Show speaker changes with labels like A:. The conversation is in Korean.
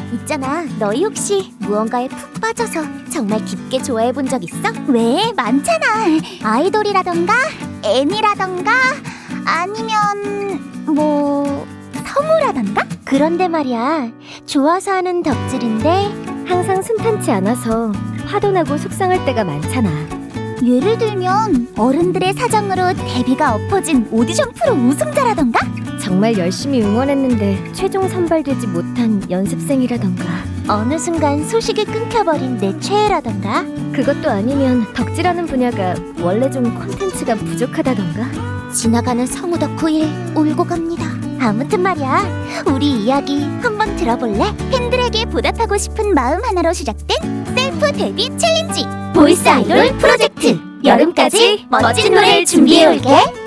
A: 있잖아, 너희 혹시 무언가에 푹 빠져서 정말 깊게 좋아해본 적 있어? 왜? 많잖아. 아이돌이라던가 애니라던가 아니면 성우라던가? 그런데 말이야, 좋아서 하는 덕질인데
B: 항상 순탄치 않아서 화도 나고 속상할 때가 많잖아.
A: 예를 들면 어른들의 사정으로 데뷔가 엎어진 오디션 프로 우승자라던가?
B: 정말 열심히 응원했는데 최종 선발되지 못한 연습생이라던가.
A: 어느 순간 소식이 끊겨버린 내 최애라던가?
B: 그것도 아니면 덕질하는 분야가 원래 좀 콘텐츠가 부족하다던가.
A: 지나가는 성우 덕후일 울고 갑니다. 아무튼 말이야, 우리 이야기 한번 들어볼래? 팬들에게 보답하고 싶은 마음 하나로 시작된 셀프 데뷔 챌린지 보이스 아이돌 프로젝트. 여름까지 멋진 노래를 준비해올게.